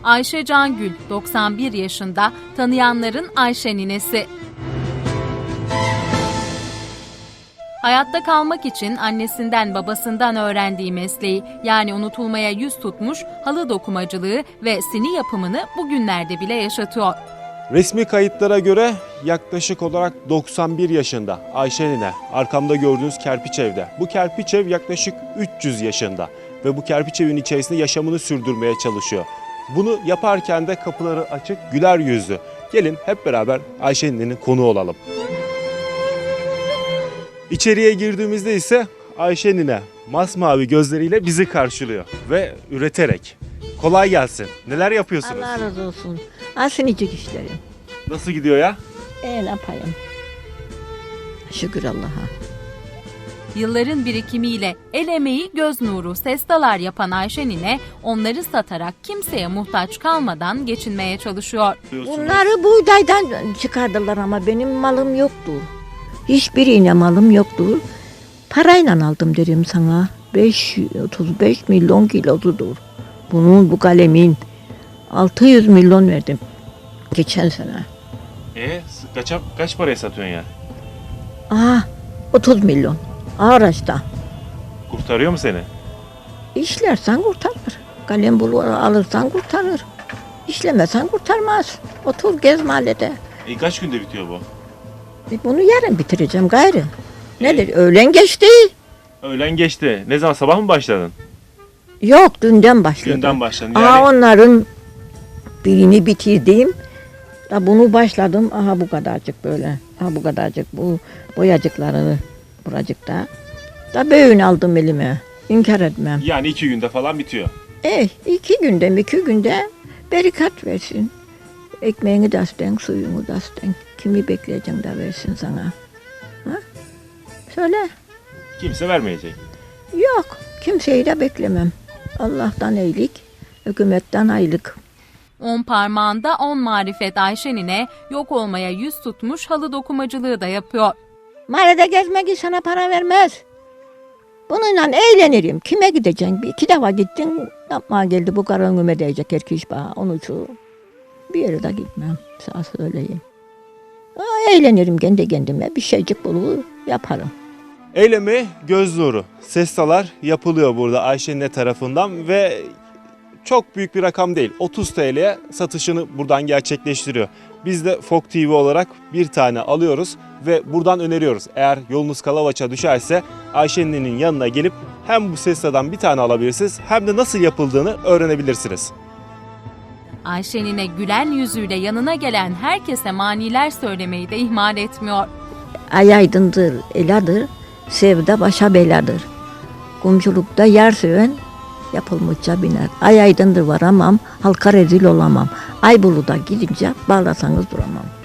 Ayşe Cangül 91 yaşında, tanıyanların Ayşe ninesi. Hayatta kalmak için annesinden babasından öğrendiği mesleği, yani unutulmaya yüz tutmuş halı dokumacılığı ve sini yapımını bugünlerde bile yaşatıyor. Resmi kayıtlara göre yaklaşık olarak 91 yaşında Ayşe nine, arkamda gördüğünüz kerpiç evde. Bu kerpiç ev yaklaşık 300 yaşında ve bu kerpiç evin içerisinde yaşamını sürdürmeye çalışıyor. Bunu yaparken de kapıları açık, güler yüzlü. Gelin hep beraber Ayşe ninenin konuğu olalım. İçeriye girdiğimizde ise Ayşe nine masmavi gözleriyle bizi karşılıyor ve üreterek. Kolay gelsin. Neler yapıyorsunuz? Allah razı olsun. Asinicik işlerim. Nasıl gidiyor ya? Ne yapayım? Şükür Allah'a. Yılların birikimiyle el emeği göz nuru sestalar yapan Ayşe nine, onları satarak kimseye muhtaç kalmadan geçinmeye çalışıyor. Bunları buğdaydan çıkardılar ama benim malım yoktu. Hiçbir iğne malım yoktu. Parayla aldım derim sana. 35 milyon kilosudur. Bunun, bu kalemin 600 milyon verdim geçen sene. Kaç paraya satıyorsun ya? 30 milyon. Araçta. Kurtarıyor mu seni? İşlersen kurtarır. Kalem bulur alırsan kurtarır. İşlemesen kurtarmaz. Otur gez mahallede. Kaç günde bitiyor bu? Bunu yarın bitireceğim gayrı. Nedir? Öğlen geçti. Öğlen geçti. Ne zaman, sabah mı başladın? Yok, dünden başladım. Dünden başladın yani. Onların birini bitirdim. Da bunu başladım. Aha bu kadarcık böyle. Aha bu kadarcık bu boyacıklarını buracıkta. Da böyünü aldım elime. İnkar etmem. Yani 2 günde falan bitiyor. 2 günde berikat versin. Ekmeğini de asten, suyunu da asten. Kimi bekleyeceksin de versin sana. Ha? Söyle. Kimse vermeyecek. Yok, kimseyi de beklemem. Allah'tan iyilik, hükümetten aylık. 10 parmağında 10 marifet Ayşe nine, yok olmaya yüz tutmuş halı dokumacılığı da yapıyor. Mahallede gezmek sana para vermez. Bununla eğlenirim. Kime gideceksin? 2 defa gittin, yapmaya geldi bu kara önüme değecek erkeş bana. Onun için bir yere de gitmem, sana söyleyeyim. Eğlenirim kendi kendime, bir şeycik bulur yaparım. El emeği göz nuru. Sestalar yapılıyor burada Ayşe nine tarafından ve çok büyük bir rakam değil. 30 TL'ye satışını buradan gerçekleştiriyor. Biz de Fok TV olarak bir tane alıyoruz ve buradan öneriyoruz. Eğer yolunuz Kalavaç'a düşerse Ayşe ninenin yanına gelip hem bu sestadan bir tane alabilirsiniz hem de nasıl yapıldığını öğrenebilirsiniz. Ayşe nine gülen yüzüyle yanına gelen herkese maniler söylemeyi de ihmal etmiyor. Ay aydındır, eladır, sevda başa beladır. Komşulukta yer seven yapılmışça biner. Ay aydındır varamam, halka rezil olamam. Ay buluda gidince bağlasanız duramam.